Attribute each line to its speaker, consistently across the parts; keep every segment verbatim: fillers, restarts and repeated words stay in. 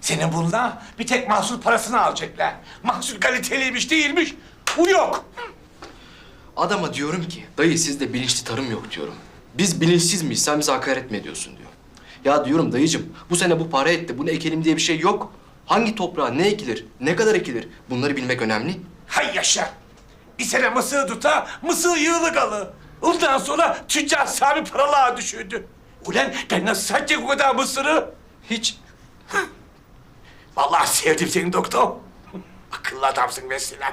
Speaker 1: Senin bununla bir tek mahsul parasını alacaklar. Mahsul kaliteliymiş değilmiş. Bu yok.
Speaker 2: Adama diyorum ki, dayı sizde bilinçli tarım yok diyorum. Biz bilinçsiz miyiz, sen bize hakaret mi ediyorsun diyor. Ya diyorum dayıcım, bu sene bu para etti, bunu ekelim diye bir şey yok. Hangi toprağa ne ekilir, ne kadar ekilir, bunları bilmek önemli.
Speaker 1: Hay yaşa. Bir sene mısır tuta, mısır yığılı kalı. Ondan sonra tüccar Sami paralığa düşürdü. Ulan ben nasıl satacak o kadar mısırı?
Speaker 2: Hiç.
Speaker 1: Vallahi sevdim seni doktor. Akıllı adamsın mesela.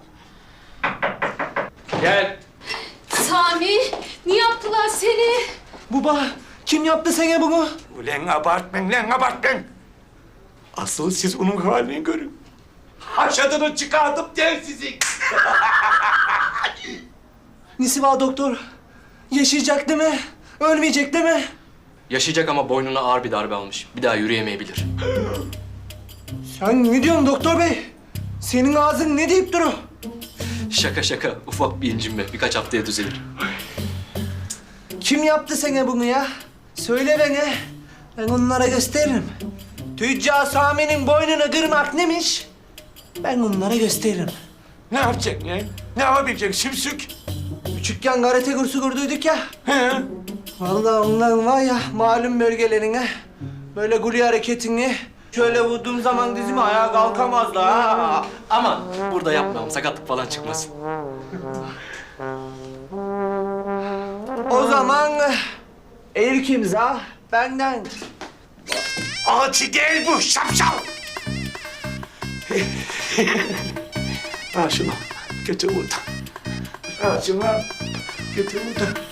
Speaker 2: Gel.
Speaker 3: Sami, niye yaptılar seni?
Speaker 4: Baba, kim yaptı sana bunu?
Speaker 1: Ulan abartmayın lan abartmayın. Asıl siz onun halini görün. Haşadını çıkardım der sizi.
Speaker 4: Nesi var doktor? Yaşayacak değil mi? Ölmeyecek değil mi?
Speaker 2: Yaşayacak ama boynuna ağır bir darbe almış. Bir daha yürüyemeyebilir.
Speaker 4: Sen ne diyorsun doktor bey? Senin ağzın ne deyip duru?
Speaker 2: Şaka şaka, ufak bir incinme. Birkaç haftaya düzelir.
Speaker 4: Kim yaptı sana bunu ya? Söyle bana. Ben onlara gösteririm. Tüccar Sami'nin boynunu kırmak neymiş? Ben onlara gösteririm.
Speaker 1: Ne yapacaksın ya? Ne yapabileceksin Simsük?
Speaker 4: Küçükken karate kursu kurduk ya.
Speaker 1: He?
Speaker 4: Vallahi onların var ya malum bölgelerine böyle guli hareketini şöyle vurduğum zaman dizime ayağa kalkamazlar ha.
Speaker 2: Aman burada yapmayalım, sakatlık falan çıkmasın.
Speaker 4: O zaman ilk imza benden.
Speaker 1: Alçı gel bu şapşal. Al şunu. Götür buradan. Al şunu. Götür buradan.